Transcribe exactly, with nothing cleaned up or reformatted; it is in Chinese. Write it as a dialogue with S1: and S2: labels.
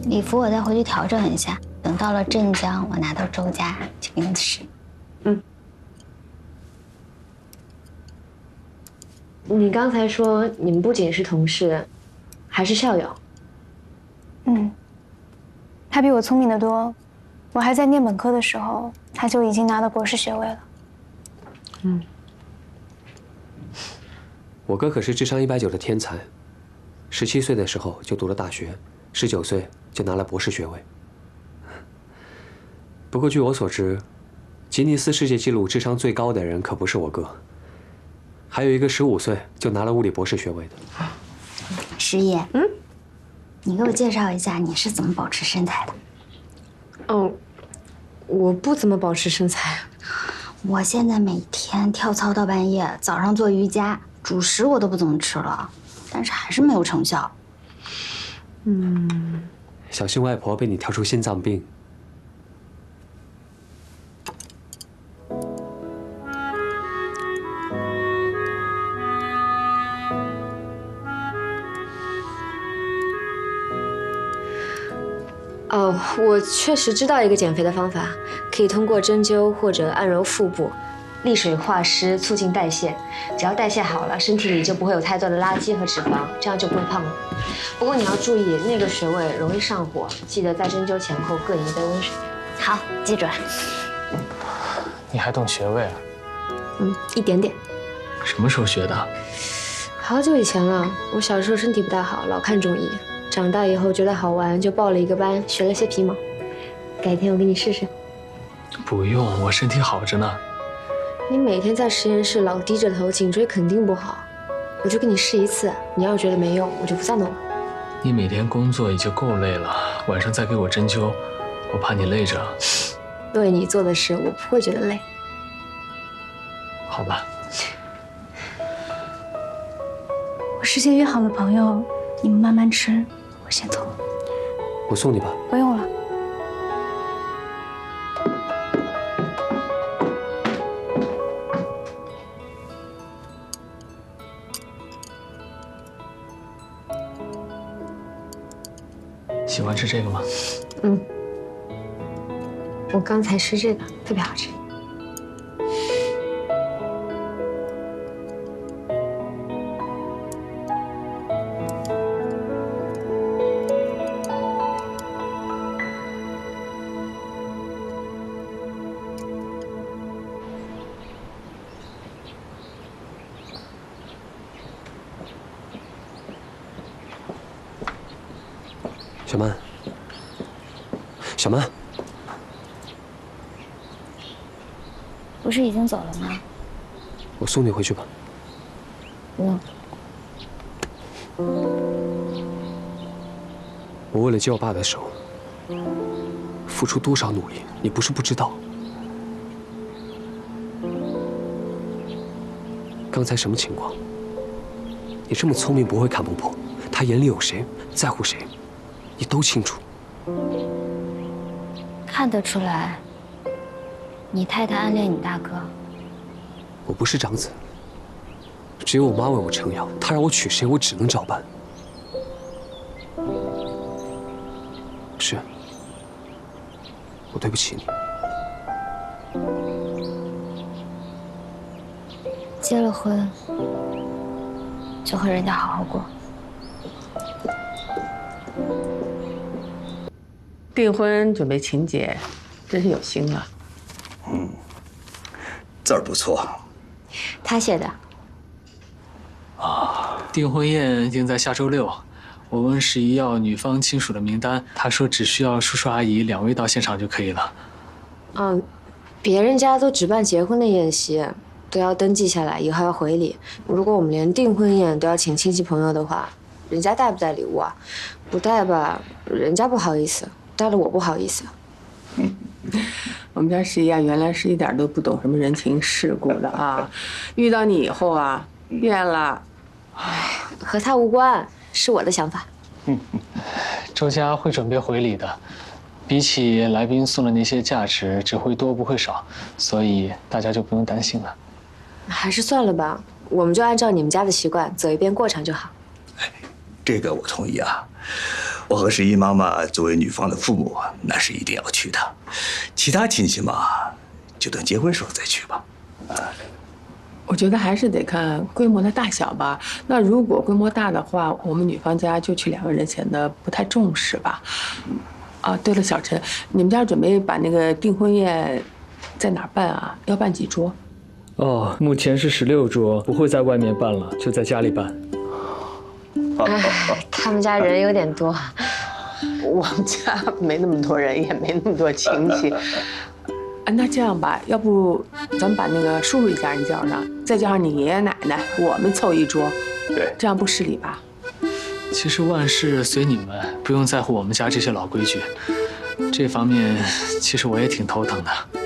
S1: 礼服我再回去调整一下，等到了镇江，我拿到周家就给你试。
S2: 嗯。你刚才说你们不仅是同事，还是校友。
S3: 嗯。他比我聪明得多，我还在念本科的时候，他就已经拿到博士学位了。
S2: 嗯。
S4: 我哥可是智商一百九的天才，十七岁的时候就读了大学，十九岁就拿了博士学位。不过据我所知，吉尼斯世界纪录智商最高的人可不是我哥，还有一个十五岁就拿了物理博士学位的。
S1: 师爷，嗯，你给我介绍一下你是怎么保持身材的？
S2: 哦，我不怎么保持身材。
S1: 我现在每天跳操到半夜，早上做瑜伽。主食我都不怎么吃了，但是还是没有成效。
S2: 嗯，
S4: 小心外婆被你挑出心脏病。
S2: 哦，我确实知道一个减肥的方法，可以通过针灸或者按揉腹部。利水化湿，促进代谢。只要代谢好了，身体里就不会有太多的垃圾和脂肪，这样就不会胖了。不过你要注意，那个穴位容易上火，记得在针灸前后各饮一杯温水。
S1: 好，记住了。
S5: 你还懂穴位啊？
S2: 嗯，一点点。
S5: 什么时候学的？
S2: 好久以前了。我小时候身体不大好，老看中医。长大以后觉得好玩，就报了一个班，学了些皮毛。改天我给你试试。
S5: 不用，我身体好着呢。
S2: 你每天在实验室老低着头，颈椎肯定不好。我就给你试一次，你要是觉得没用，我就不再弄了。
S5: 你每天工作已经够累了，晚上再给我针灸，我怕你累着。
S2: 为你做的事，我不会觉得累。
S5: 好吧。
S3: 我事先约好了朋友，你们慢慢吃，我先走了。
S4: 我送你吧。
S3: 不用了。
S5: 喜欢吃这个吗？
S2: 嗯，我刚才吃这个，特别好吃。
S4: 小曼，小曼，
S1: 不是已经走了吗？
S4: 我送你回去吧。
S1: 不用。
S4: 我为了接我爸的手，付出多少努力，你不是不知道。刚才什么情况？你这么聪明，不会看不破。他眼里有谁，在乎谁，你都清楚。
S1: 看得出来，你太太暗恋你大哥。
S4: 我不是长子，只有我妈为我撑腰，她让我娶谁，我只能照办。是，我对不起你。
S1: 结了婚，就和人家好好过。
S6: 订婚准备请柬，真是有心了。
S7: 嗯，字儿不错。
S2: 他写的。
S5: 啊，订婚宴定在下周六。我问十一要女方亲属的名单，他说只需要叔叔阿姨两位到现场就可以了。
S2: 嗯，别人家都只办结婚的宴席，都要登记下来，以后要回礼。如果我们连订婚宴都要请亲戚朋友的话，人家带不带礼物啊？不带吧，人家不好意思；带了我不好意思。
S6: 嗯，我们家十一啊，原来是一点都不懂什么人情世故的啊，遇到你以后啊，变了。
S2: 唉，和他无关，是我的想法。
S5: 嗯，周家会准备回礼的，比起来宾送的那些价值，只会多不会少，所以大家就不用担心了。
S2: 还是算了吧，我们就按照你们家的习惯走一遍过场就好。
S7: 哎，这个我同意啊。 我和十一妈妈作为女方的父母，那是一定要去的。其他亲戚嘛，就等结婚时候再去吧。啊，
S6: 我觉得还是得看规模的大小吧。那如果规模大的话，我们女方家就去两个人显得不太重视吧。啊，对了，小陈，你们家准备把那个订婚宴在哪儿办啊？要办几桌？
S5: 哦，目前是十六桌，不会在外面办了，就在家里办。
S2: 哎，他们家人有点多。
S6: 我们家没那么多人，也没那么多亲戚。啊，那这样吧，要不咱们把那个叔叔一家人叫上，再加上你爷爷奶奶，我们凑一桌，
S7: 对，
S6: 这样不失礼吧？
S5: 其实万事随你们，不用在乎我们家这些老规矩。这方面，其实我也挺头疼的。